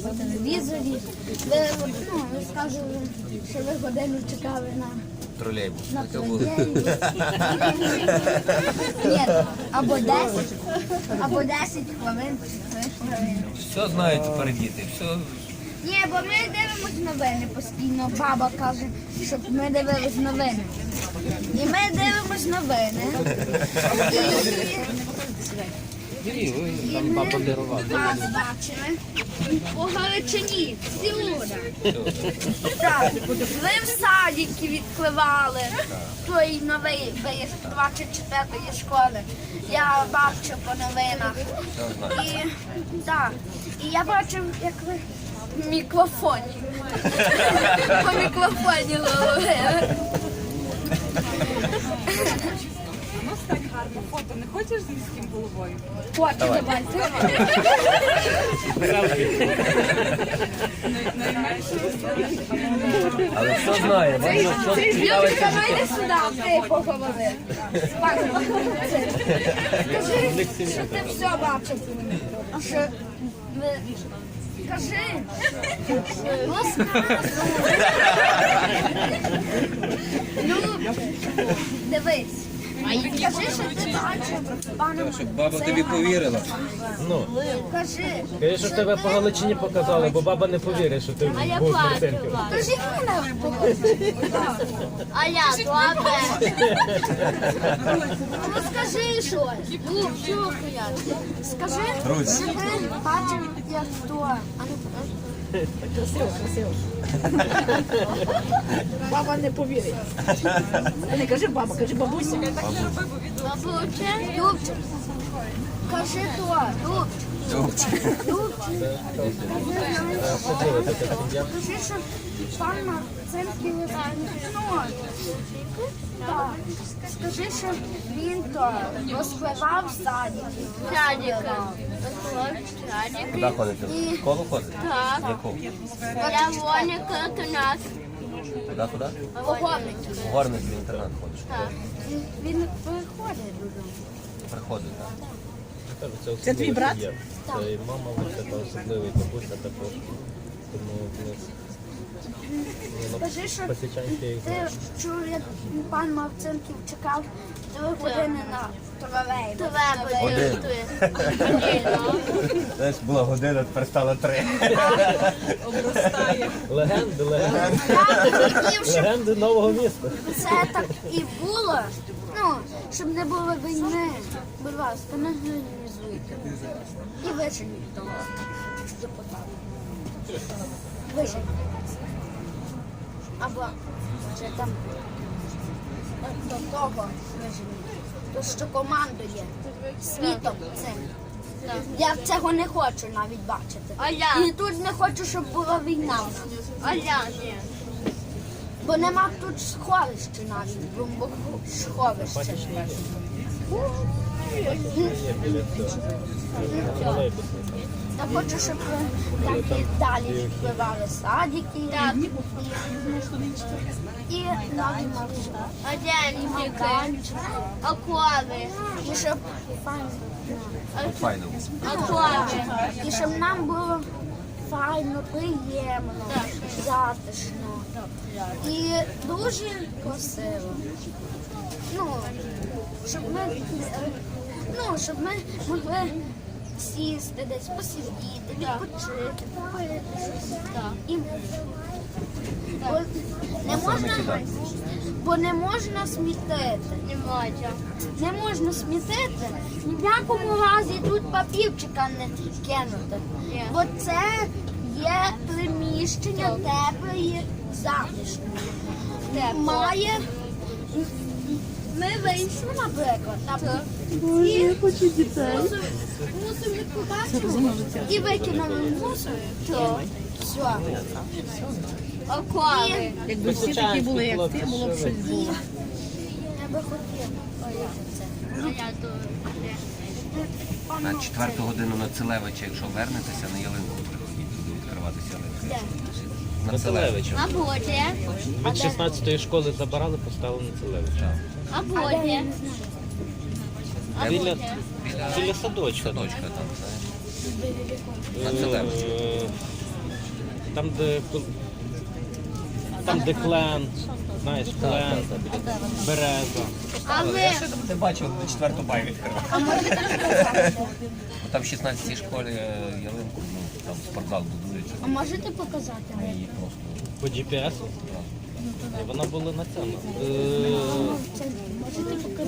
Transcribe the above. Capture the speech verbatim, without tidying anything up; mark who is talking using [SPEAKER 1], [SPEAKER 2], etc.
[SPEAKER 1] по телевізорі. Ви, ну, ви скажете, що ви годину чекали на,
[SPEAKER 2] Тролейбус.
[SPEAKER 1] на тролейбус. Ні, або десять, або десять хвилин, чи три хвилини.
[SPEAKER 2] Все знають тепер діти, все.
[SPEAKER 1] Ні, бо ми дивимось новини постійно. Баба каже, щоб ми дивились новини. І ми дивимось новини. І ми вас бачили по Галичині, всюди. Так, ви в садики відкривали той новий виїзд двадцять четвертої школи. Я бачу по новинах. І, так, і я бачив, як ви в мікрофоні. По мікрофоні говорили.
[SPEAKER 3] У нас так гарно фото. Не хочеш з міським головою?
[SPEAKER 1] Хочу, давайте.
[SPEAKER 2] Але все знає, бачиш, що цікавить.
[SPEAKER 1] Юрка, давайте сюди, ти поговори. Скажи, що ти все бачив. Що ви... Скажи. Люб, дивись. Кажи, що ти бачив пана.
[SPEAKER 2] Щоб баба тобі повірила.
[SPEAKER 4] Ну,
[SPEAKER 1] Кажи.
[SPEAKER 4] кажи, що тебе по Галичині показали, бо баба не повірить, що ти був з Мартинків.
[SPEAKER 1] Кажи мені.
[SPEAKER 5] А я добре.
[SPEAKER 1] Ну скажи щось.
[SPEAKER 5] Був, чого я?
[SPEAKER 1] Скажи, що ти бачив, як хто. А ну,
[SPEAKER 6] Баба не повірить. Не кажи баба, кажи бабуся.
[SPEAKER 5] Бабуче?
[SPEAKER 1] Любчик. Кажи то. Любчик. Любчик. Кажи, що пан Марцинків ну, так. Скажи, що він то розпливав в саді.
[SPEAKER 5] Садика. Садик.
[SPEAKER 2] Куди ходите? В школу ходите?
[SPEAKER 5] Так.
[SPEAKER 2] Яку?
[SPEAKER 5] Я Воніка Канат.
[SPEAKER 2] Куди, куди?
[SPEAKER 1] Погодник.
[SPEAKER 2] В Горницький інтернат ходиш.
[SPEAKER 5] Так.
[SPEAKER 1] Він приходить додому.
[SPEAKER 2] Приходить, так?
[SPEAKER 6] Це твій брат?
[SPEAKER 4] Це і мама, це та особливий бабуся також. Тому ну,
[SPEAKER 1] Скажи, що
[SPEAKER 4] посічанки їх
[SPEAKER 1] ти чув, як пан Марцинків чекав три години на тролейбус.
[SPEAKER 5] Тебе
[SPEAKER 2] Один. Знаєш, була година, тепер стало три.
[SPEAKER 4] легенди, легенди,
[SPEAKER 1] Я хотів, щоб
[SPEAKER 4] легенди нового міста.
[SPEAKER 1] це так і було, ну, щоб не було війни. Будь ласка, не організуйте. І виженіть того депутата. Виженіть. Або вже там до того виженіть. То, що командує світом цим. Я цього не хочу навіть бачити.
[SPEAKER 5] А я?
[SPEAKER 1] І тут не хочу, щоб була війна.
[SPEAKER 5] А я ні.
[SPEAKER 1] Бо нема тут сховища навіть, бомбосховища. Я хочу, щоб так і далі відпливали садики. Так. І нові маршрути.
[SPEAKER 5] А де ліміки? Акуави.
[SPEAKER 1] І щоб файно.
[SPEAKER 2] Файно.
[SPEAKER 5] Акуави.
[SPEAKER 1] І щоб нам було файно, приємно, затишно. І дуже красиво. Ну, щоб ми, ну, щоб ми могли сісти десь, посидіти, відпочити, попити щось. І бо не можна, бо не можна смітити.
[SPEAKER 5] Не можна.
[SPEAKER 1] Не можна смітити, ні в якому разі тут папірчика не кинути.
[SPEAKER 5] Ні.
[SPEAKER 1] Бо це є приміщення тепле і затишне. Має. Ми вийшли, наприклад, на і мусор, мусор побачили і викинули мусор. То все.
[SPEAKER 5] Акуави.
[SPEAKER 6] Якби всі такі були, як ти, було б щось було.
[SPEAKER 1] Я би хотіла.
[SPEAKER 5] А я тут.
[SPEAKER 2] На четверту годину на Целевича, якщо вернетеся, на ялинку приходіть, туди відкриватися ялинки. На Целевича.
[SPEAKER 4] Целевича.
[SPEAKER 5] А буде?
[SPEAKER 4] Від шістнадцятої школи забирали, поставили на Целевича.
[SPEAKER 5] А буде? А
[SPEAKER 4] Біля,
[SPEAKER 5] буде?
[SPEAKER 4] біля садочка.
[SPEAKER 2] Садочка там, знаєш. На Целевича.
[SPEAKER 4] Е, Там, де кол- там, де клен, знаєш, клен, береза.
[SPEAKER 5] А ви?
[SPEAKER 2] Я ще не бачив, до четверту бай відкривав.
[SPEAKER 1] А можете показати?
[SPEAKER 2] Там в шістнадцятій школі е, ялинку, ну, там спортзал будується.
[SPEAKER 1] А можете показати?
[SPEAKER 2] Ми її просто.
[SPEAKER 4] По джі пі ес. І вона була на цьому. Е,
[SPEAKER 1] Це можете показати?